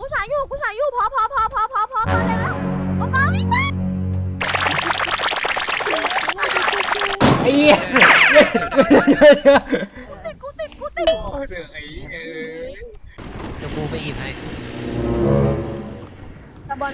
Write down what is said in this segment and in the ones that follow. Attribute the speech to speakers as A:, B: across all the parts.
A: กูฉายอยู่พอแล้วป๊าป๊าวิ่งมา
B: ไอ้เหี้ย
A: กูติด
C: โอ้เรื่องไอ้
D: เดี๋ยวกูไปหยิบให้
A: ตะบอล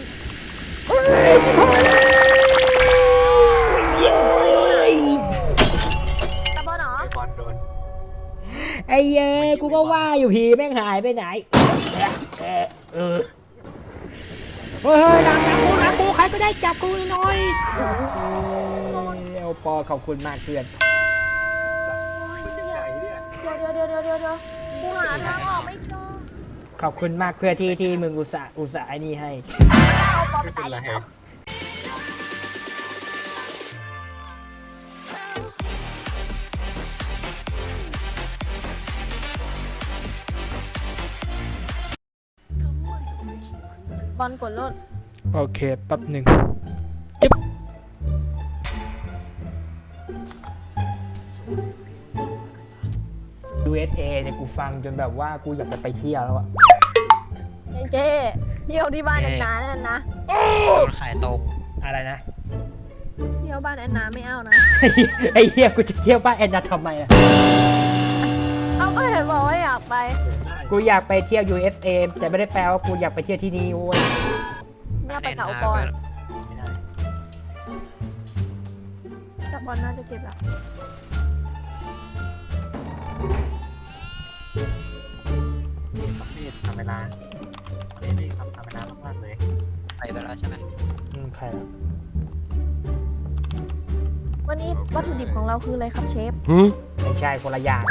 A: ตะบอลเหรอ
C: ไอ้บอลโดน
B: ไอ้เย้ยกูก็ว่าอยู่ผีแม่งหายไปไหนเฮ้ยหลังกูใครก็ได้จับกูหน่อยเอาปอขอบคุณมากเพื่อน
C: ใหญ่เนี่ย
A: เดี๋ยวกูหาทางออกไม่เจอ
B: ขอบคุณมากเพื่อที่มึงอุตส่าห์ไอ้นี่ให้
A: เอาปอไป
C: ไม่เป็
A: ตาน ย
C: ไร
A: แล้วบอลกดรถ
B: โอเคแป๊บหนึ่งจิ๊บ USA เนี่ยกูฟังจนแบบว่ากูอยากจะไปเที่ยวแล้วอะ
A: เจ๊เที่ยวที่บ้านแอนนานั่นนะ
D: โดนขายตก
B: อะไรนะ
A: เที่ยวบ้านแอนนาไม่เอานะ
B: ไอ้เหี้ยกูจะเที่ยวบ้านแอนนาทำไมอะ
A: เอาก็เห็นบอกว่าอยากไป
B: กูอยากไปเที่ยว USA แต่ไม่ได้แปลว่ากูอยากไปเที่ยวที่นี่โว้ย
A: เนี่ยไปเขาก่อน
C: ไม่ได้
A: จับบอลน่าจะเก็บละ
C: ต้องรีบทำเวลารีบทำเวลามากๆเลย
D: ไปแล้วใช่ไหม
B: ใครอะ
A: วันนี้วัตถุดิบของเราคืออะไรครับเชฟ
B: ไม่ใช่คนละอย่าง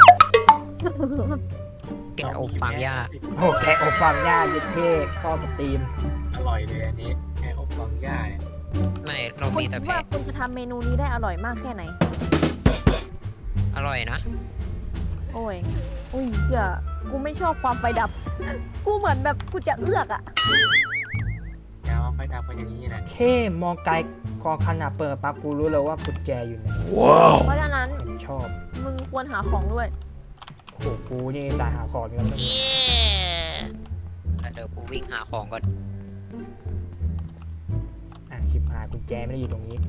D: แกะอบฟางหญ้า
B: โอ้แกะอบฟางย่ายึดเท่เข้ากับตีม
C: อร่อยเลยอันนี้แค่อบฟางหญ้าเนี่ย
D: ไม่เรา
A: คุณ
D: มี
A: คิ
D: แต่
A: ด
D: แพะ
A: ว่าคุณจะทำเมนูนี้ได้อร่อยมากแค่ไหน
D: อร่อยนะ
A: โอ้ย อุ้ยเจ้ากูไม่ชอบความไฟดับ กูเหมือนแบบกูจะเอือกอ่ะ
C: อย่ามาไฟดับไปอย่างนี้นะ
B: แค่มองไกลกองขนาดเปิดปั๊บกูรู้เลยว่ากุญแจอยู่ไหน
A: เพราะฉะนั้น
B: ชอบ
A: มึงควรหาของด้วย
B: โอ้โหกูนี่สายหาของอยู่แล้ว
D: แล้วเดี๋ยวกูวิ่งหาของก่อน
B: ชิบหายกุญแจไม่ได้อยู่ตรงนี้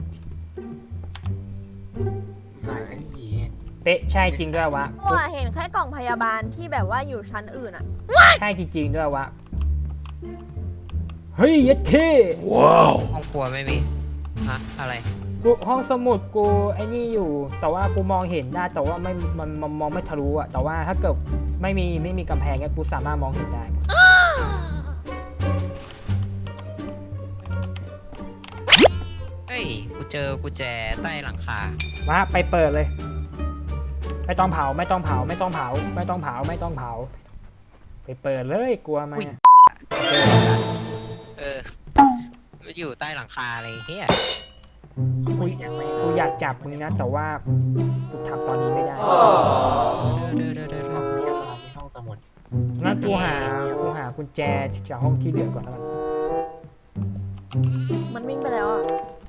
C: สายเป็นผี
B: เป๊ะใช่จริงด้วยวะ
A: เพราะว่าเห็นแค่กล่องพยาบาลที่แบบว่าอยู่ชั้นอื่นอ่ะ
B: ใช่จริงๆด้วยวะเฮ้ยยัดเท่
D: ห้องครัวไม่มีฮะอะไร
B: กูห้องสมุดกูไอ้นี่อยู่ แต่ว่ากูมองเห็นได้แต่ว่ามันมองไม่ทะลุอะแต่ว่าถ้าเกิดไม่มีกำแพงเนี่ยกูสามารถมองเห็นได้
D: เฮ้ยกูเจอกุญแจใต้หลังคา
B: มาไปเปิดเลย ไม่ต้องเผาไปเปิดเลยกลัวไหม
D: เออมันอยู่ใต้หลังคาอะไรเฮีย
B: กูอยากจับมึงนะแต่ว่ากูทำตอนนี้ไม่ได้
D: เดี๋ยว
C: ห้องพยาบาลที่ห้องสมุด
B: งั้นกูหากุญแจจากห้องที่เหลือก่อนแล้วกัน
A: มันวิ่งไปแล้วอ่ะ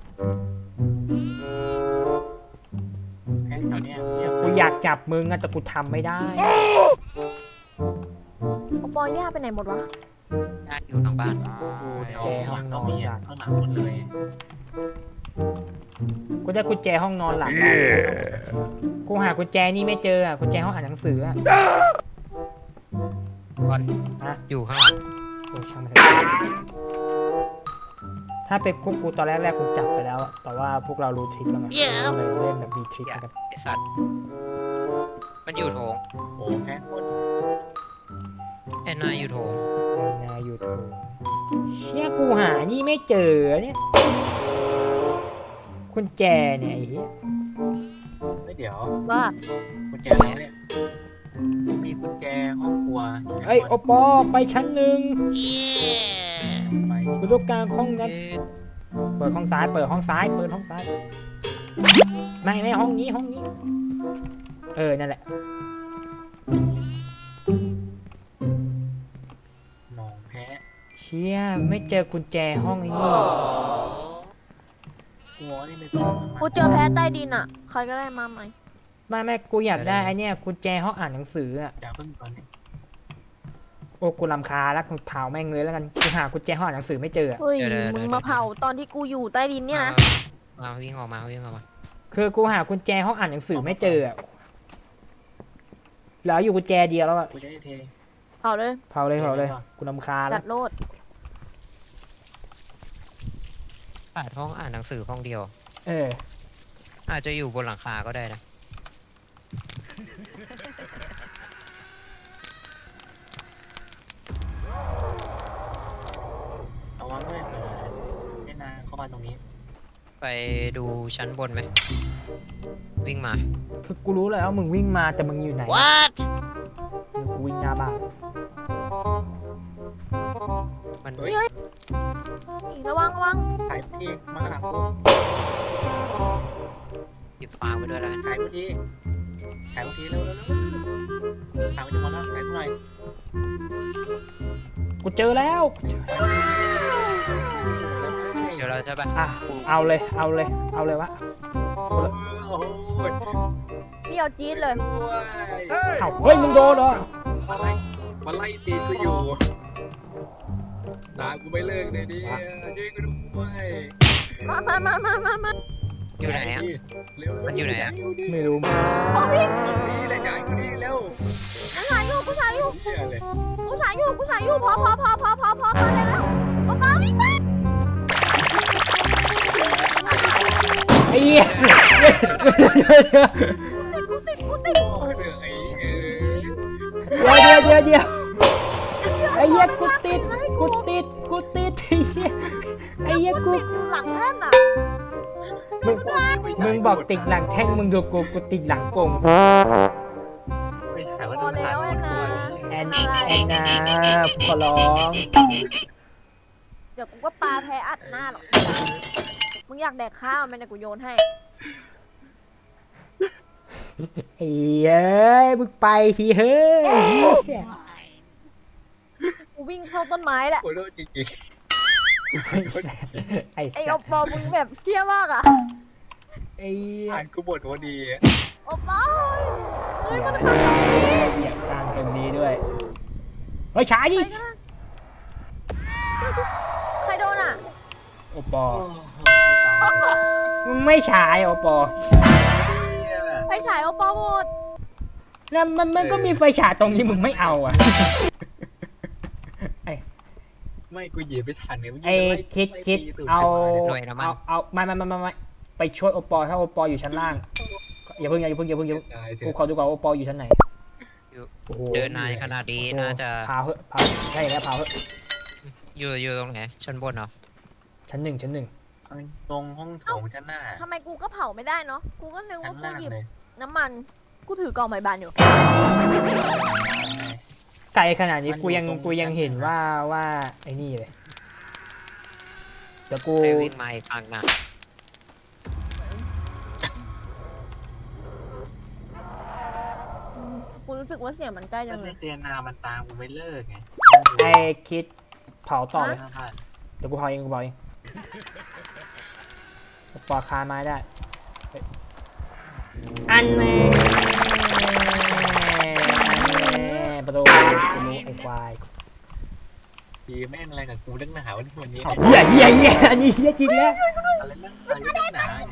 C: แค่แถวเนี้ยเงียบ
B: กูอยากจับมึงอะแต่กูทำไม่ได้
A: โอปอย่าไปไหนหมดวะ
D: ญาติอยู่ทางบ้าน
C: แจห้องนอนข้างหลังหมดเลย
B: กูได้กุญแจห้องนอนหลังแล้วกูหากุญแจนี่ไม่เจออะกุญแจห้องอ่านหนังสืออะ
D: บอล
B: ฮะ
D: อยู่ข้างหลัง
B: โอ้ช่างมันเถอะถ้าเป็นพวกกูตอนแรกกูจับไปแล้วอะแต่ว่าพวกเรารู้ทริคแล้วไงก็เลยเล่นแบบมีทริคกัน
D: ไอสัตว์มันอยู่โถง
C: โอ้แค่คน
D: แอนนาอยู่โถง
B: นายูทูบเชี่ยกูหานี่ไม่เจอเนี่ยกุญแจเนี่ยไอ้เหี้ย
C: ไม่เดี๋ยว
A: ว่า
C: กุญแจเราเนี่ยมีกุญแจห้องครัว
B: เอ้ยโอปอไปชั้นหนึ่ง
C: ไป
B: กูต้องการห้องนั้น
D: เอ๊ะ
B: เปิดห้องซ้ายไม่ห้องซ้ายห้องนี้นั่นแหละ
C: มองแพ้
B: เชี่ยไม่เจอกุญแจห้องไอ้นี่
C: หัวนี่ไม่ส่ง
A: กูเจอแพ้ใต้ดินอ่ะ ใครก็ได้มาไหม
B: ไม่กูอยากได้ไอ้เนี่ยกุญแจห้องอ่านหนังสืออะ
C: อย่าเพิ่งก่อน
B: โอ้กูรำคาญแล้วกูเผาแม่งเลยแล้วกันกูหากุญแจห้องหนังสือไม่เจออะ
A: เฮ้ยมึงมาเผาตอนที่กูอยู่ใต้ดินเนี่ยนะ
D: มาวิ่งออกมาวิ่งออกมา
B: คือกูหากุญแจห้องอ่านหนังสือไม่เจออะแล้วอยู่กุญแจเดียวแล้วอะ
C: กูจะได้เท
A: เผาเลย
B: เผาเลยกูรำคาญแล้
A: จั
B: ว
A: ดโลด
D: ขาดห้องอ่านหนังสือห้องเดียว
B: เออ
D: อาจจะอยู่บนหลังคาก็ได้นะ
C: เอาวางด้วยเผื่อให้นางเข้ามาตรงนี้
D: ไปดูชั้นบนไหมวิ่งมา
B: คือกูรู้แล้วมึงวิ่งมาแต่มึงอยู่ไหนกูวิ่งหน้าบ้าน
D: มัน
C: เฮ้ย
A: ระวังระวัง
C: ถ่ายกูทีมาข้างหลังกู
D: หยิบฟางไปด้วยแล้วกัน
C: ถ่ายกูทีถ่ายกูทีเร็วถ่ายกูจะหมดแล้วถ่ายกูหน่อย
B: กูเจอแล้ว
D: เดี๋ยวเราจะไป
B: อ่ะเอาเลยวะ
C: โอ้ย
A: เปรี้ยวจี๊ดเลย
B: เอาเฮ้ยมึงโดนเหรอ
C: มาไล่ตีกูอยู่ด่ากูไม่เลิกเลยดิช่วยกูด้วย
A: มา
D: อยู่ไหนอ่ะ
C: เร็ว
D: มันอยู่ไหนอะ
B: ไม่รู้มึง
C: นี่แหละจ่ายกูนี่เร็ว
A: กูถ่ายอยู่
C: เหี้ยเลย
A: พอได้แล้วมาวิ่งมา
B: ไอ้เหี้ย
A: กูติด
C: โอ้ยเหนื่อย
B: เดี๋ยวไอ้เหี้ยกูติดไอ้เหี้ยกู
A: ติดอยู่หลังแท่นอ่ะ
B: มึงบอกติดหลังแท่งมึงดูกูติดหลังโป่ง
C: ไปหาว่า
A: พอแล้วแอนนา
B: แอนนาขอร้อง
A: เดี๋ยวกูก็ปาแพ้อัดหน้าหรอกมึงอยากแดกข้าวไหมเนี่ยกูโยนให้
B: ไอ้เอ้ยมึงไปทีเฮ้ย
A: กูวิ่งเข้าต้นไม้แหละ
C: โอ้ยโดนจริง
B: ไอ้
A: ไอ้โอปอมึงแบบเที่ยมากอ่ะ
B: ไอ้
C: ๆอ่านกูบ่นว่าดี
A: โอปอเฮ้ยมัน
B: เหยียบกลางตรงนี้ด้วยเฮ้ยช้าดิ
A: ใครโดนอ่ะ
B: โอปอ
C: โอ้ยตาย
B: มึงไม่ฉายโอปอ
A: ไฟฉายโอปอหมด
B: แล้วมันก็มีไฟฉายตรงนี้มึงไม่เอาอ่ะ
C: ไม่กูเหยียบไปทันเนี่ย
B: ไอ้คิดเอาไม่ไปช่วยโอปอถ้าโอปออยู่ชั้นล่างอย่าเพิ่งกูขอดูก่อนโอปออยู่ชั้นไหน
D: เดินนานขนาดนี้น่าจะ
B: พาเหอะใช่แล้วพาเหอะ
D: อยู่ตรงไหนชั้นบนเหรอ
B: ชั้นหนึ่ง
C: ตรงห้องโถงชั้นหน้า
A: ทำไมกูก็เผาไม่ได้เนาะกูก็นึก
C: ชั้
A: ว่าน กู
C: ล่าง
A: หยิบ
C: เลย
A: น้ำมันกูถือกล่องใบบานอยู่
B: ไกลขนาดนี้กูยังเห็นว่าไอ้นี่เลยเดี๋ยวกู
D: ไปวิ่งมาอีกฝั่งนะ
A: กูรู้สึกว่าเสียงมันใกล้จั
C: แล้ว
A: งเล
C: ใน
A: ย
C: เซียนามันตามกูไม่เลิกไง
B: ไอ้คิดเผาต่อเลย
C: นะผ่าน
B: เดี๋ยวกูเผาเองปอคาไม้ได้อันนี้ประตูไอ้ควาย
C: ดีแม่งอะไรกับกูเรื่องหนาวันนี้
B: เหี้ยอันนี้เหี้ยจริงแล้ว
C: อะไรเรื่องหนาเนี่ย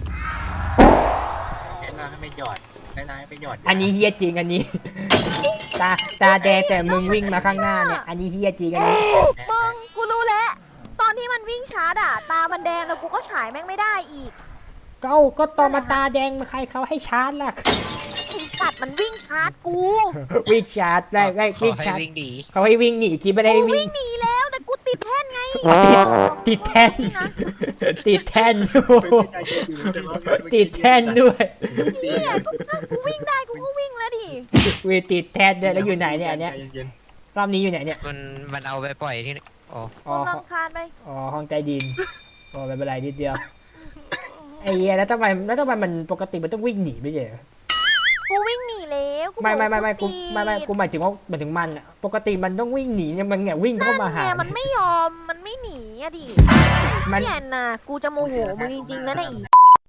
C: แค่นาให้ไปหยอดแค่นาให้ไปหยอด
B: อันนี้เหี้ยจริงอันนี้ตาแดงแต่มึงวิ่งมาข้างหน้าเนี่ยอันนี้เหี้ยจริงอันนี้
A: มึงกูรู้แล้วตอนที่มันวิ่งชาร์จอะตามันแดงแล้วกูก็ฉายแม่งไม่ได้อีก
B: ก็ตอนมาตาแดงมาใครเขาให้ชาร์จล่ะ
A: ไอ้สัตว์มันวิ่งชาร์จกู
B: วิ่งชาร์จได้วิ่ง
D: ให้
B: ชาร์จ
D: วิ่งดี
B: เขาให้วิ่งหนีคิดไม่ได้
A: กู
B: วิ่
A: วิ่
B: ง
A: งหนีแล้วแต่กูติดแท่นไง
B: ติดแท่นติดแท่นติดแท่นด้วย
A: เนี่ยก็ถ้ากูวิ่งได้กูก็วิ่งแล้วดิ
B: วีติดแท่นด้วยแล้วอยู่ไหนเนี่ยอันเนี้ยรอบนี้อยู่ไหนเนี่ย
D: มันเอาไปปล่อยที่อ๋อ
B: อ๋อ
A: กูรำคาญไป
B: ห้องใต้ดินอ๋อไม่เป็นไรนิดเดียวไอ้เหี้ยแล้วทำไมมันปกติมันต้องวิ่งหนีไม่ใช่เหรอ
A: กูวิ่งหนีแล้วกู
B: ไม่
A: บอก
B: กู
A: ติด
B: กูหมายถึงมันอะปกติมันต้องวิ่งหนีเนี่ยมันเนี่ยวิ่งเข้ามาหา
A: เนี่ยมันไม่ยอมมันไม่หนีอะดิ
B: มัน
A: เนี่ยนะกูจะโมโหมึงจริงๆนะเนี่ยอี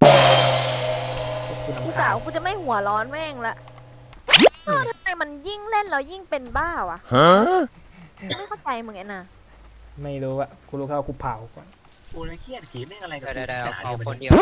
B: กู
A: กู
B: รำ
A: กะ
B: คาญ
A: ว่ากูจะไม่หัวร้อนแม่งละทำไมมันยิ่งเล่นแล้วยิ่งเป็นบ้าวะไม่เข้าใจมึงไอ้น่ะ
B: ไม่รู้อะกูรู้แค่ว่ากูเผาก่อน
C: กูเลยเครียดผีแม่งอะไรกับ
D: เดี๋ยว
C: กู
D: เอา
C: ห
D: คนเดียว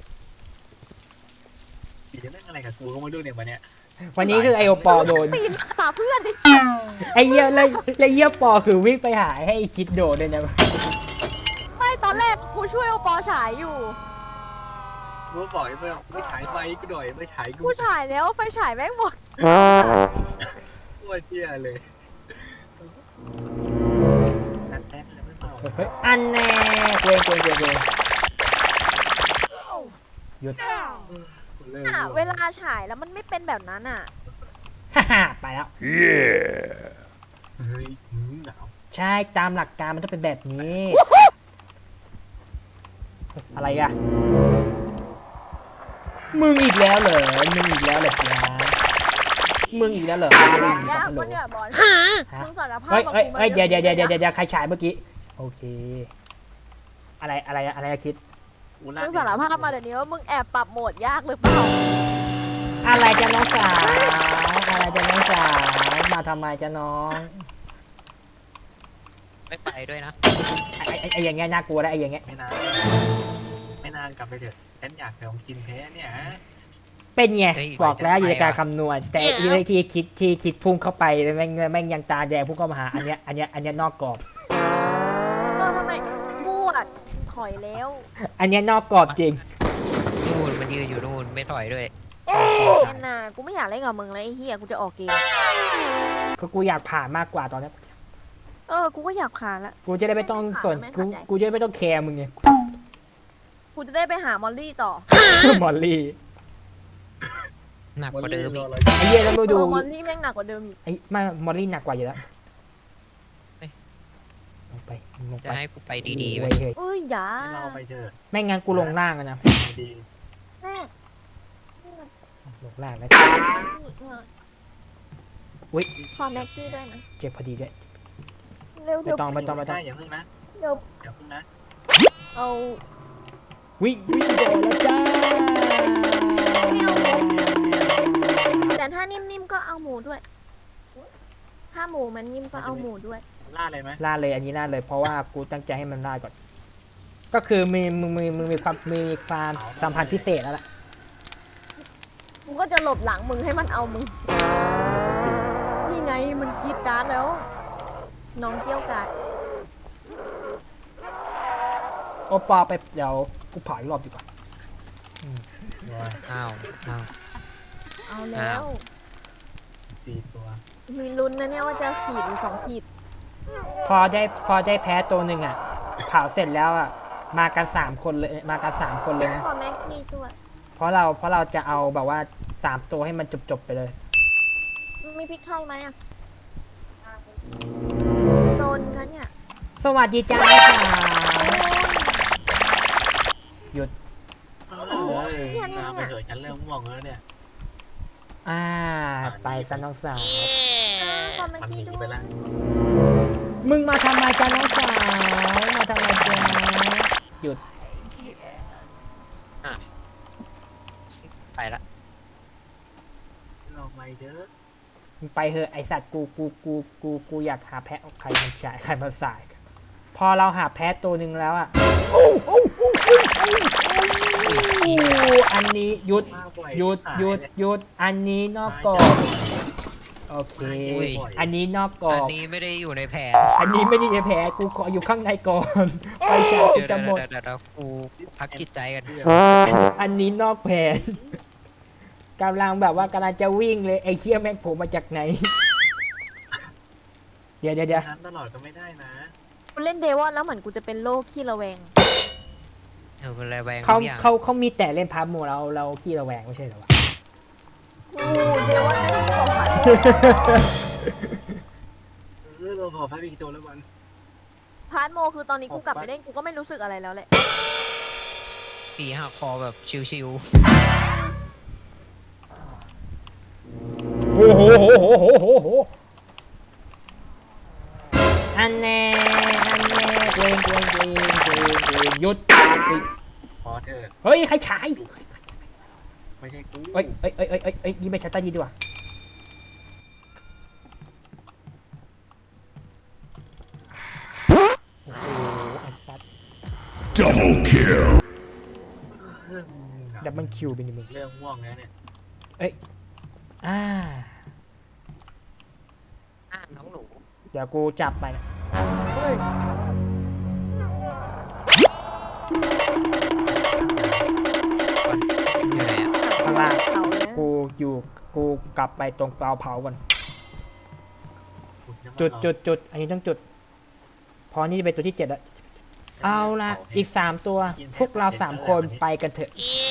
C: ผีแม่งอะไรกับกูก็ไม่รู้เนี่ยวันเนี้ย
B: วันนี้คือไอโอปอโดน
A: ปีนหาเพื่อนดิ
B: ไอเยี่ยแล้วเยี่ยปอคือวิ่งไปหาให้ไอ้คิดโดดเลยนะ
A: ไม่ตอนแรกกูช่วยโอปอฉายอยู่
C: กูบอกไอ้เพื่อนไม่ฉายไฟกูหน่อยไม่ฉายกู
A: กูฉายแล้วไฟฉายแม่งหมด
C: โคตรเที่ยเลยนัดแท็กเลยไม่เป่า
B: เฮ้ยอันแน่เกรงหยุด
C: เลิก
A: อ่ะเวลาฉายแล้วมันไม่เป็นแบบนั้นอ่ะ
B: ฮ่าฮ่าไปแล้ว
C: เฮ้ยหนาว
B: ใช่ตามหลักการมันต้องเป็นแบบนี้ อะไรอะมึงอีกแล้วเหรอมึงอีกแล้วเหรอจ๊ะมึงอีกแล้วเหรอมึงอีก
A: ยาก
B: แล้วเหร
A: ปะ
B: อ
A: เนี่ยบอล
B: ฮะ
A: มึงสารภาพ
B: เฮ้ย
A: กับ
B: เฮ้ย
A: กูมา
B: เฮ้ยเดี๋ยวใครฉายเมื่อกี้โอเคอะไรอะคิด
A: มึงสารภาพมาเดี๋ยวนี้ว่ามึงแอบปรับโหมดยากหรือเปล่า
B: อะไรจะน้องสาวอะไรจะน้องสาวมาทำไมจะน้อง
D: ไม่ไปด้วยนะ
B: ไอ้อย่างเงี้ยน่ากลัวแล้วไอ้อย่างเงี้ย
C: ไม่นานกลับไปเถอะฉันอยากลองกินแพ้เนี่ย
B: เป็นไง
D: เฮ้ย
B: บอกแล้วอยู่ในการ
D: ไปอะ
B: คำนวณแต่ที่คิดพุ่งเข้าไปแม่งยังตาแดงพุ่งเข้ามาหาอันเนี้ยนอกกรอบ
A: ทำไมมั่วถอยแล้ว
B: อันเนี้ยนอกกรอบจริง
D: นู่นมันยืนอยู่นู่นไม่ถอยด้วย
A: แอนนากูไม่อยากเล่นกับมึงแล้วไอ้เหี้ยกูจะออกเกม
B: ก็กูอยากผ่านมากกว่าตอนนี้
A: กูก็อยากผ่านละ
B: กูจะได้ไม่ต้องสน
A: ไม่เข้าใจ
B: กูจะได้ไม่ต้องแคร์มึงไง
A: กูจะได้ไปหามอลลี่ต่อ
B: มอลลี่
D: หนักกว่าเดิมอีก
B: ไอ้เหี้ยแล้วมาดู
A: มอลลี่แม่งหนักกว่าเดิมอีก
B: ไอ้ไม่มอลลี่หนักกว่าอยู่แล้วลงไป
D: จะให้กูไปดีๆ
B: เว้
D: ไว้
B: ยเฮ้ย
A: เอ้ยอย่า
C: ให้เราไปเถอะ
B: ไม่งั้นกูลงล่างอะนะ
C: ดี
A: แม่
B: ลงล่างนะ
A: ขอแม็กกี้ด้วยนะ
B: เจ็บพอดีด้วย
A: เร็ว
B: ไม่ต้อง
C: ไม่ได้อย่าเพิ่งนะ
A: เร็ว
C: อย่าเพิ่งนะ
A: เอา
B: วิ่งโดดแล้วจ้า
A: แต่ถ้านิ่มๆก็เอาหมูด้วย ถ้าหมูมันนิ่มก็เอาหมูด้วย
C: ล่าเลยไหม
B: ล่าเลยอันนี้ล่าเลยเพราะว่ากูตั้งใจให้มันล่าก่อน ก็คือมึงมีความสัมพันธ์พิเศษแล้วล่ะ
A: กูก็จะหลบหลังมึงให้มันเอามึง นี่ไงมันกรีดการ์ดแล้ว น้องเกี้ยวกาด
B: โอปอไปเดี๋ยวกูเผาอีกรอบดีกว่า
D: อ้าวอ้าว
A: เอาแล้ว
C: 4 ตัว
A: มีลุ้นนะเนี่ยว่าจะขีดหรือ2 ขีด
B: พอได้แพ้ตัวหนึ่งอ่ะเผาเสร็จแล้วอ่ะมากัน3 คนเลยมากัน3 คนเลยนะ
A: ขอแม็กกี้ด้วย
B: เพราะเราจะเอาแบบว่า3 ตัวให้มันจบไปเลย
A: มีพริกไทยไหมอ่ะโดนนะเนี่ย
B: สวัสดีจ้าหยุด
C: เอาเลยน้ำไปเถอะฉันเริ่มง่วงแล้วเนี่ย
B: ไปซะน้องสาว
A: ขอแม็ก
C: มันห
A: กี้
C: นี
A: ด้ว
C: ไป
A: ย
C: แล้ว
B: มึงมาทำไมจ้าน้องสาวมาทำไมจ้าหยุด
D: ไปละ
C: เราไปเถอะ
B: มึงไปเหอะไอสัตว์กูอยากหาแพะใครมันฉายใครมันสาย พอเราหาแพะตัวหนึ่งแล้วอ่ะอันนี้หยุด
C: มาบ่อย
B: หยุด
C: ชิบา
B: หยุด
C: เลย
B: หยุดอันนี้นอกกรอบ โอเค อันนี้นอกกรอ
D: อัน
B: บ
D: นี้ไม่ได้อยู่ในแผน
B: อันนี้ไม่ได้แพ้กูขออยู่ข้างในก่อน ไฟฉายกู
D: เดี๋ยว
B: จะหมด
D: เดี๋ยวกูพักจิตใจกัน
B: อันนี้นอกแผนกำลังแบบว่ากำลังจะวิ่งเลยไอ้เชี่ยแม่งโผล่มาจากไหน เดี๋ยว
C: นั้นตลอดก็ไม่ได้นะ
A: กูเล่นเดวอนแล้วเหมือนกูจะเป็นโรคขี้ระแวง
D: เป็นอะไรแวง
B: เขา
D: ทุกอย่าง
B: เขามีแต่เล่นพาร์ทโมเราขี้ระแวงไม่ใช่เหรอวะ
A: โอ้เดวอนไม่ได้บอกผ่าน
C: เราขอพักอีกตัวแล้ววัน
A: พาร์ทโมคือตอนนี้กูกลับไปเล่นกูก็ไม่รู้สึกอะไรแล้วแหละ
D: ปีหักคอแบบชิว
B: โอ้โหอันแน่เกรงหยุด
C: พอเถอะ
B: เฮ้ยใครฉาย
C: ไม่ใช่กู
B: เอ้ยนี่ไม่ชัตเตอร์ดีดีกว่า
E: Double kill.
B: ดับเบิลคิวเป็นยังไง
C: เรื่องม่วงแล้วเนี่ย
B: อ่า
D: น้องหนู
B: เดี๋ยวกูจับไปนะ
A: เฮ้ย
D: อยู่ไหนอ่ะ
B: ข้างล่าง
A: เขาเลยนะ
B: กูกลับไปตรงเตาเผาก่อน
C: ขุน้ำมัน
B: จุดอันนี้ต้องจุด พอนี่เป็นตัวที่7แล้วเอาละอีก3ตัวพวกเรา3คนไปกันเถอะ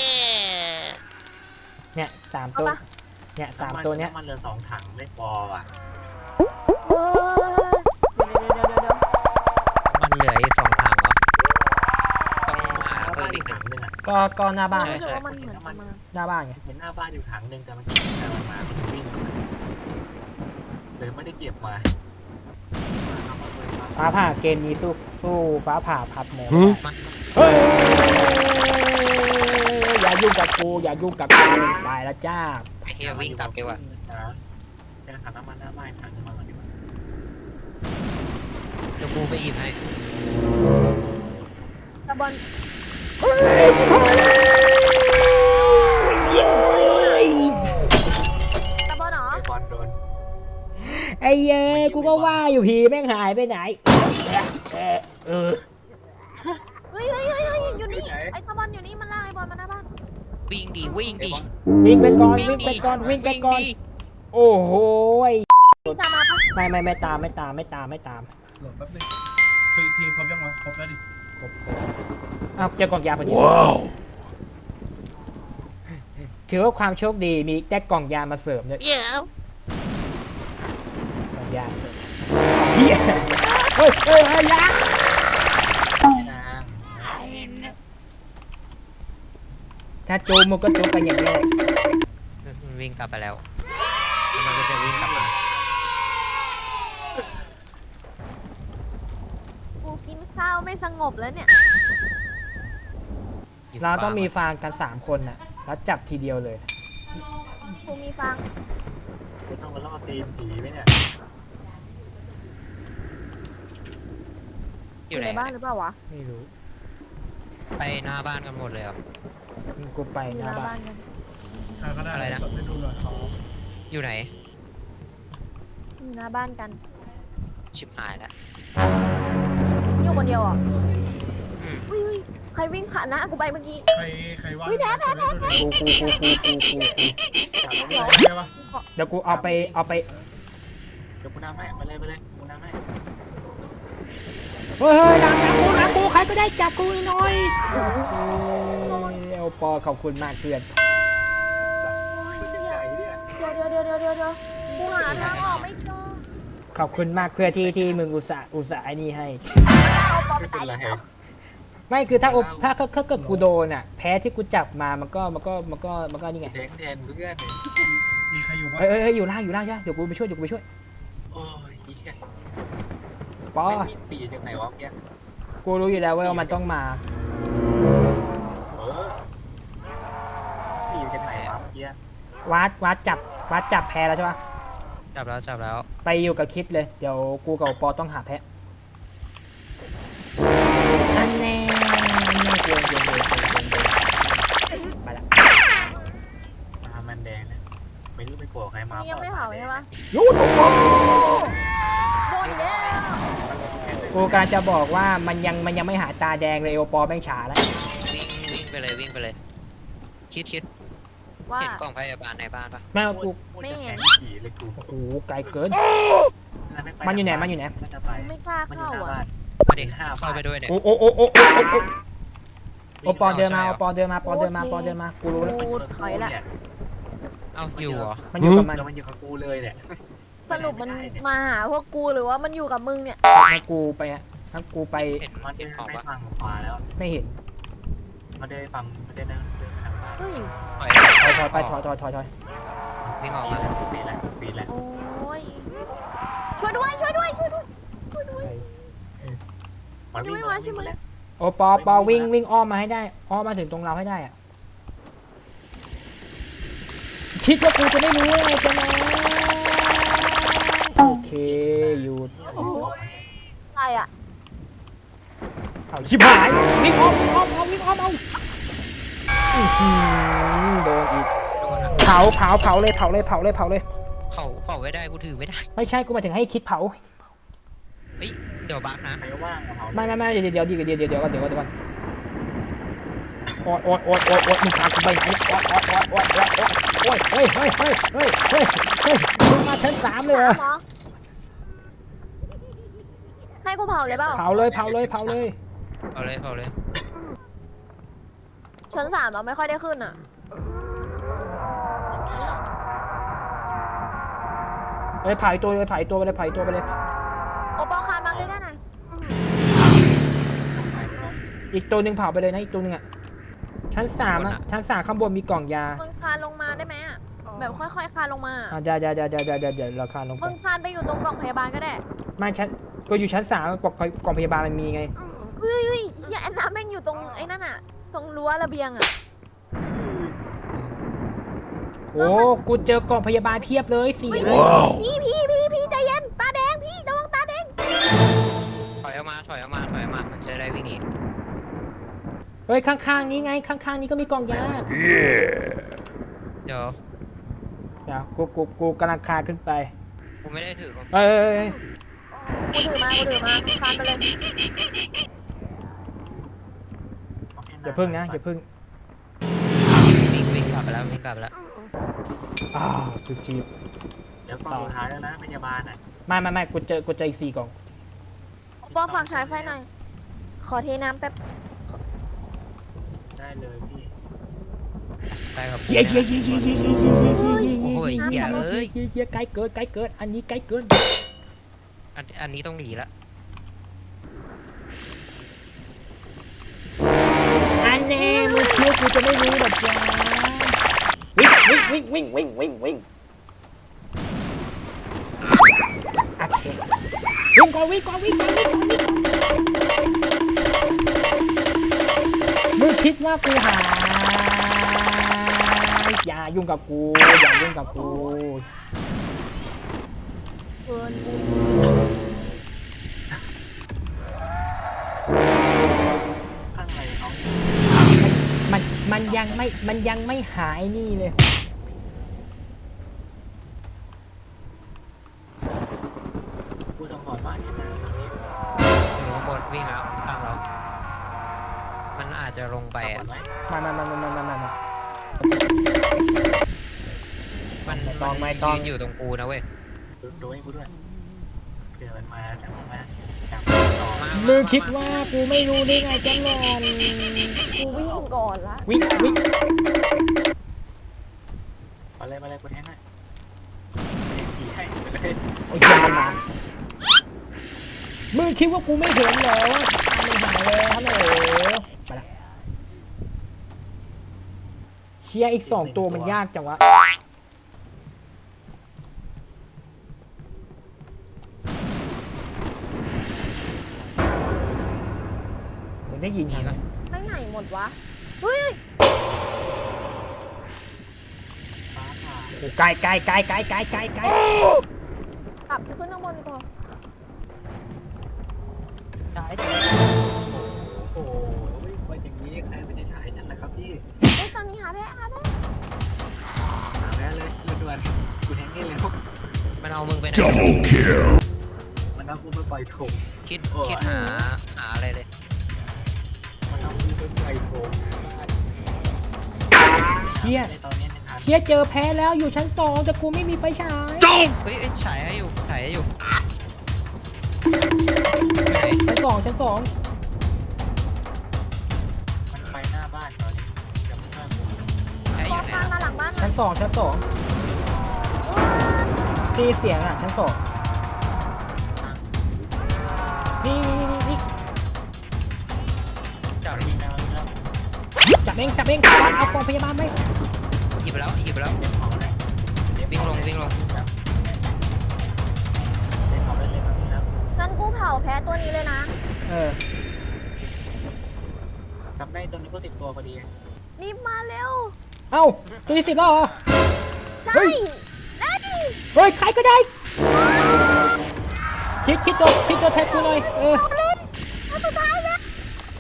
B: เนี่ย3ตัวเนี่ย3ตัวเนี้ย
C: ำมันเหลือ2 ถังไม่พอว่ะ
A: เฮ้ยเดี๋ยว
D: มันเหลืออีก2 ถังเหรอต้องหา
C: หน้า
D: เพิ่
C: บ้าม น
D: อี
C: อี
D: ก
C: กถังนึงอ่ะ
B: ก็หน้าบ้าน
A: รู้สึกว่ามันเหมือนจะมา
B: หน้าบ้านไง
C: เห็นหน้าบ้านอยู่ถังนึงแต่มันกินแต่มันมาเป็นวิ่งเลยไม่ได้เก็บมาเอามาเลยครับ
B: ฟ้าผ่าเกมนี้สู้ฟ้าผ่าพัดหมด
D: มัน
B: เฮ้ยอย่ายุ่งกับกูอย่ายุ่งกับกูตายแล้วจ้า
D: ไอ้เฮียวิ่งกลับดีกว่า
C: แกถังน้ำมันหน้าบ้านถังน้ำมันก่อนดีกว่า
D: เดี๋ยวกูไปหยิบให้
A: ตะบอลตะบอลเหรอ
C: ไอ้บอลโดน
B: ไอ้เย้กูก็ว่าอยู่ผีแม่งหายไปไหนเออ
A: เฮ้ยอยู่นี่ไอ้ตะบอลอยู่นี่มันลากไอ้บอลมาหน้าบ้าน
D: วิ่งดีวิ่งดี
B: วิ่งไปก่อนวิ่งไปก่อนวิ่งไปก่อน
D: ดิ
B: โอ้โหย
A: พี่ตามมาปะ
B: ไม่ตาม
F: โหลดแป๊บนึงคือทีมครบยังวะครบแล้วดิ
B: อ้าวเจอกล่องยาพอดี
E: Wow.
B: ถือว่าความโชคดีมีได้กล่องยามาเสริมด้วย
A: เดี๋ยว
B: กล่องยาเสริมเฮียเฮ้ยยา
C: นาง
B: ถ้าจูมันก็จูกันอย่างนี้แหละ
D: มันวิ่งกลับไปแล้วแล้วมันก็จะวิ่งกลับมา
A: กูกินข้าวไม่สงบแล้วเนี่ย
D: หยิบ
B: เราต้องมี
D: ฟ้
B: ฟางกัน3 คนน่ะแล้วจับทีเดียวเลย
A: กูมีฟาง
C: จะต้องมาล่อตีนผีไหมเนี่ย
D: อยู่ไหน
A: ในบ้านหรือเปล่าวะ
B: ไม่รู้
D: ไปหน้าบ้านกันหมดเลยเหรอ
B: กูไป
A: อยู่
B: ห
A: ห
B: น้า
A: น้า
B: บ้า
A: บ้าน นกัน
F: ใครก็ได้
D: อะไรนะ
F: สดให้ดูหน่อยเขา
D: อยู่ไหน
A: อยู่หน้าบ้านกัน
D: ชิบหายแล้ว
A: อยู่คนเดียวเหรอ่ะ
D: อืม
A: อุ้ยใครวิ่งผ่านหน้ากูไปเมื่อกี้
F: ใครว่าง
A: อุ๊ยแพ้
B: กู
C: จับแล้ว
F: ใช่ปะ
B: เดี๋ยวกูเอาไป
C: เดี๋ยวกูน้ำให้ไปเลยกูน้ำให้
B: เฮ้ยหลังกูใครก็ได้จับกูหน่อยเอลปอขอบคุณมากเพื่อน
C: ใหญ่เนี่ย
A: เดี๋ยวกูหาทางออกไม่เจอ
B: ขอบคุณมากเพื่อนที่มึงอุตส่าห์ไอ้นี่ให้
A: เอาปอไป
C: ไม่เป็
A: ตาน ย
C: ไร
A: แล้ว
B: ไม่คือถ้าเกิดกูโดนอ่ะ แพ้ที่กูจับมามันก็นี่ไง
C: แทงแทนเพื่อน
F: มีใครอยู่ปะ
B: เอ้ยอยู่ล่างใช่ไหมเดี๋ยวกูไปช่วย
C: โอ้ยเหี้ย
B: ปอ
C: ไม่มีปีจากไหนวะเมื่อกี้
B: กูรู้อยู่แล้วว่ามันต้องมา
C: ปีจากไหนวะเมื่อกี้
B: วัดจับแพ้แล้วใช่ปะ
D: จับแล้ว
B: ไปอยู่กับคิดเลยเดี๋ยวกูกับปอต้องหาแพ้อันแน่กวนไปละ
C: มามันแดงนะไม่รู้ไปโกรธใครมา
A: นี่ยังไม่เผาใช่ปะ
B: ยูทูบ
A: โดนอีกแล้ว
B: กูการจะบอกว่ามันยังไม่หาตาแดงเลยเอลปอแม่งฉาแล้ว
D: วิ่งไปเลย คิด
A: ว่า
D: เห็นกล่องพยาบาลในบ้านปะ
B: แม่งกู
A: ไม่เห็น
C: ผีเลยกู
B: โอ้โหไกลเกิน มันอยู่ไหน
C: จะไป
A: ไม่กล้า
C: มันอยู่
A: เข้า
C: หน้า
A: อ่ะ
C: บ้าน
D: มาดิเข้าไปด้วยเนี่ย
B: โอ้ปอเดินมากูรู้แล้ว
A: กูถอยละ
D: เอ้าอยู่เหรอ
B: มันอยู่กับมัน
C: แล้วมันอยู่กับกูเลยเนี่ย
A: สรุปมันมาหาพวกกูหรือว่ามันอยู่กับมึงเนี่ย
B: ถ้ากูไป
D: เห็น
C: มัน
D: เห็
C: เดิ
D: น
C: น
D: ของ
C: ไป
D: ปะ
C: ฝั่งขวาแล้ว
B: ไม่เห็น
C: มันเดินฝั่งมันเดินไปทางบ้าน
A: เฮ้ย
D: ถอย
B: ถอย
D: วิ่งออกมา
C: ปีแล้วปีแล้ว
A: โอ้ยช่วยด้วย
C: มันวิ่งมาใช่ไหมแล้ว
B: โอ้ปอวิ่งอ้อมมาให้ได้อ้อมมาถึงตรงเราให้ได้อะคิดว่ากูจะไม่รู้ไงกันนะโอเคหยุด
A: ใครอ่ะ
B: เเอาชิบหายวิ่งอ้อมวิ่งอ้อมเอาวิ่งอ้อมเอาอื้อหือโดนอีก
D: โดนอะ
B: เผาเลยเผาเลย
D: เขาไม่ได้กูถือไม่ได้
B: ไม่ใช่กูหมายถึงให้คิดเผา
D: เฮ้ยเดี๋ยวบักนะ
C: ใครว่างเอา
B: ไม่เดี๋ยวก่อนโอ๊ยมึงพากูไปไหนโอ๊ยเฮ้ยมึงมาชั้น3เลยเหรอ
A: หมอให้กูเผาเลยเปล่า
B: เผาเลย
D: เอาเลย
A: ชั้น 3เราไม่ค่อยได้ขึ้นอ่ะ
B: เฮ้ยเผาอีกตัวไปเลย
A: โอปอคานมาใกล้ๆหน่อย
B: อีกตัวหนึ่งเผาไปเลยนะอีกตัวหนึ่งอ่ะชั้น3อ่ะชั้น3ข้างบนมีกล่องยา
A: มึงคานลงมาได้ไหมอ่ะแบบค่อยๆคานลงมา
B: เดี๋ยวราคาลงไป
A: มึงคานไปอยู่ตรงกล่องพยาบาลก็ได้
B: ไม่ชั้นก็อยู่ชั้น3กล่องพยาบาลมันมีไง
A: เฮ้ยเฮียแอนนาแม่งอยู่ตรงไอ้นั่นอ่ะ ตรงรั้วระเบียงอ่ะ
B: โอ้กูเจอกล่องพยาบาลเพียบเลย4เลย
A: พี่ใจเย็นตาแดงพี่ระวังตาแดง
D: ถอยออกมามันจะได้วิ่งหนี
B: เฮ้ยข้างๆนี้ไงข้างๆนี้ก็มีกล่องยา
D: เดี๋ยว
B: เดี๋ยวกูกำลังคานขึ้นไป
D: กูไม่ได้ถือของ
B: เอ้ย
A: กูถือมาคานไปเลย
B: อย่าพึ่งนะอย่าพึ่ง
D: วิ่งกลับไปแล้ว
B: อ้าวจุดจีบ
C: เดี๋ยวกล่องสุดท้ายแล้วนะพยาบาลอ่ะ
B: ไม่กูเจออีก4 กล่อง
A: ปอฝากฉายไฟหน่อย ขอเทน้ำแป๊บ
C: ได้เลยพี่
D: ได้ครับ
B: เฮีย
D: โอ้ยเหี้ยเอ้ย
B: เฮียไกลเกินอันนี้ไกลเกิน
D: อันนี้ต้องหนีละ
B: อันนี้มึงคิดกูจะไม่รู้หรอกจ้าวิ่งโอเควิ่งก่อนมึงคิดว่ากูหาอย่ายุ่งกับกู
A: เกิน
C: ข้างในเขา
B: มันยังไม่หายนี่เลย
C: กูสปอร์ตบ้านนี่นะตรงนี้
D: อยู่ข้างบนวิ่งแล้วข้างเรา มันอาจจะลงไป
C: สปอ
D: อ่ะ
C: ร์ตไหม
B: มา
D: มันยืนอยู่ตรงกูนะเว้ย
C: ดูให้กูด้วยเผื่อมันมาจากต่อ
B: มึงคิดว่ากูไม่รู้ได้ไงจังหวะ
A: กูวิ่งก่อนละ
B: วิ่ง
C: มาเลยกูแทงให้ขี่ให้ไปเลย
B: โอ้ยมันมามึงคิดว่ากูไม่เห็นเหรอว่าตาไม่หายเลยฮัลโหลไปละเชียร์อีก2 ตัวมันยากจังวะมึงได้ยิน
D: มี
B: ไหม
D: ปะ
A: ไปไหนหมดวะ เฮ้ย
C: ฟ้าผ่า
B: โอ้ไกล
A: กลับไปขึ้นข้างบนดีกว่า
C: โอ้โหว่าอย่างนี้ใครมันจะฉายทันนะครับพี่
A: เฮ้ยตอนนี้หาได้
C: หาแล้วเลยด่วนกูแทงให้เร็ว
D: มันเอามึงไปไหน
C: มันเอากูไปปล่อยโถง
D: คิดหาอะไรเลย
C: มันเอากูไปปล่อยโถง
B: เชียร์
C: ในตอนนี้นะครับ
B: เชียร์เจอแพ้แล้วอยู่ชั้น2แต่กูไม่มีไฟฉาย
D: เฮ้ยฉายให้อยู่ไหน
B: ชั้น 2
C: มันไปหน้าบ้านตอนนี้ยังไม่กล้ากู
D: ฉายอ
A: ปอยู่
D: ไหน
A: คานมาหลังบ้านหน่
B: ชั้
A: อย
B: น 2ที่เสียงอ่ะชั้น 2นี่
D: จับ
C: วิ่งแล้ววิ่งแล้ว
B: จับเองเอากองพยาบาลไหม
D: หยิบไปแล้ว
C: เก็บของเลย
D: วิ่งลง
C: เก็บของได้เลยครับ
A: งั้นกูเผาแพ้ตัวนี้เลยนะ
C: กลับได้ตัวนี้ก็10 ตัวพอดี
A: รีบมาเร็ว
B: เอ้าตัวที่10แล้วเหรอ
A: ใช่
B: เฮ้ย
A: ได้ดิ
B: เฮ้ยใครก็ได้คิดตัวแทนกูหน่อย
A: อันสุดท้ายแล้ว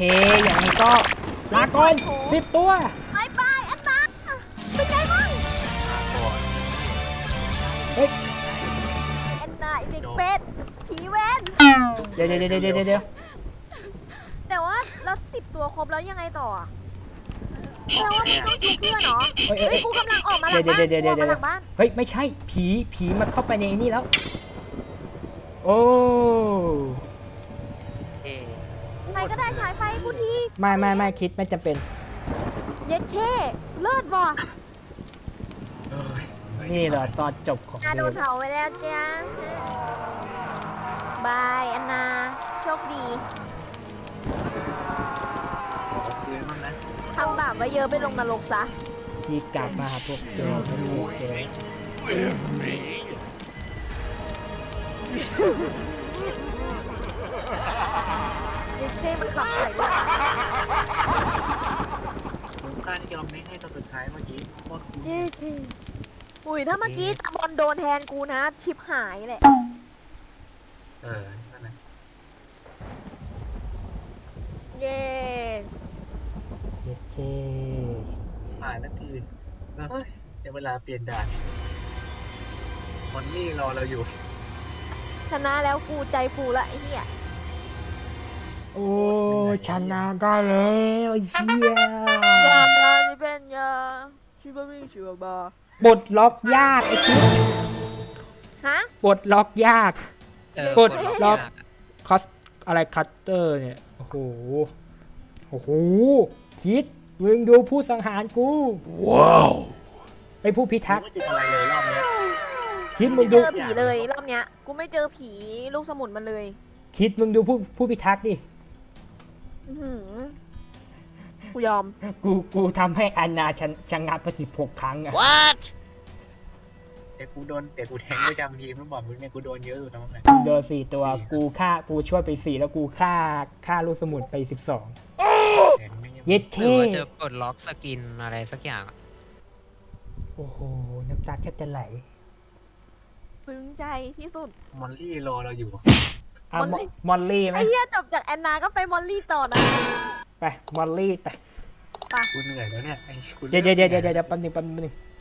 B: อย่างนี้ก็ลาก่อน10 ตัว
A: บายบายแอนนาเป็นไงบ้าง
C: ก่อน
B: เฮ้ย
A: แอนนาไอ้เด็กเป็ดผีเว้น
B: เดี๋ยว
A: แต่ว่าแล้ว10 ตัวครบแล้วยังไงต่ออะแปลว่ามึงต้องชูเพื่อนเหรอ
B: เฮ้ย
A: เฮ้ยกูกำลังออกมาหลังบ้านกูออกมาหลังบ้าน
B: เฮ้ยไม่ใช่ผีมันเข้าไปในนี่แล้ว โอ้
A: ใครก็ได้ฉายไฟให้กูที
B: ไม่คิดไม่จำเป็น
A: เย็ดเช่เลิศว่ะ
C: เอ้ย
B: นี่เหรอตอนจบของ
A: นา
B: เก
A: โดน
B: ม
A: เผาไปแล้วจ้าบายแอนนา โชคดี
C: ขอคืนบ้างนะ
A: ทำบาปไว้เยอะไปลงนรกซะ
B: ที่กลับมาหาพวกเจอไม่มีเจอ
A: เย็ดเช่มันขับใส่ด้วย
C: ผมกล้าที่ยอมไม่ให้ตอนสุดท้ายเมื่อกี้โคตรคุ้ม
A: เย็ดเช่อุ้ยถ้าเมื่อกี้ตะบอลโดนแทนกูนะ ชิบหายแหละ
C: นั่นแหละ
A: เย้
B: เย็ดเค
C: ผ่านนาทีเฮ้ยเดี๋ยวเวลาเปลี่ยนด่านมอนนี่รอเราอยู่
A: ชนะแล้วกูใจฟูละไอ้เหี้ย
B: โอ้ชนะได้แล้วเฮีย
A: ยาดาที่เป็นยาชิบะมิชิบะบา
B: ปลดล็อกยากไอ้คิด
A: ฮะ
B: ปลดล็อกยาก
D: กด
B: ล็
D: ล็
B: อ
D: อก ก
B: คอสอะไรคัตเตอร์เนี่ยโอ้โหคิดมึงดูผู้สังหารกูว้าวไอ้ผู้พิทักษ์
C: ไม่เจออะไรเลยรอบเนี้ย
B: คิดมึ
A: ไม่
B: ง
A: เจ
B: ดู
A: อผีเลยรอบเนี้ย กูไม่เจอผีลูกสมุนมันเลย
B: คิดมึงดูผู้พิทักษ์ดิ
A: อื้อหือกูยอม
B: กูทำให้อานาชะงักไป16 ครั้งอะ
C: แต่กูแทงประจำทีมไม่บอกมึงเนี่ยกูโดนเยอะอยู่ทั้งนั้นเลย
B: โดน4 ตัวกูช่วยไป4แล้วกูฆ่าลูกสมุนไป12
C: แทงไม่ยัง
B: เย็ด
D: ห
B: เค
D: รือว่าจะปลดล็อกสกินอะไรสักอย่างอะ
B: โอ้โหน้ำตาแทบจะไหล
A: ซึ้งใจที่สุด
C: มอนลี่รอเราอยู่
B: อ่ะ
A: มอลลี่
B: มอลลี่ไหม
A: ไอ้เหี้ยจบจากแอนนาก็ไปมอลลี่ต่อนะ
B: ไปมอลลี่ไป
C: กูเหนื่อยแล้วเนี่ยไอ้กู
B: เดี๋ยวแป๊บนึง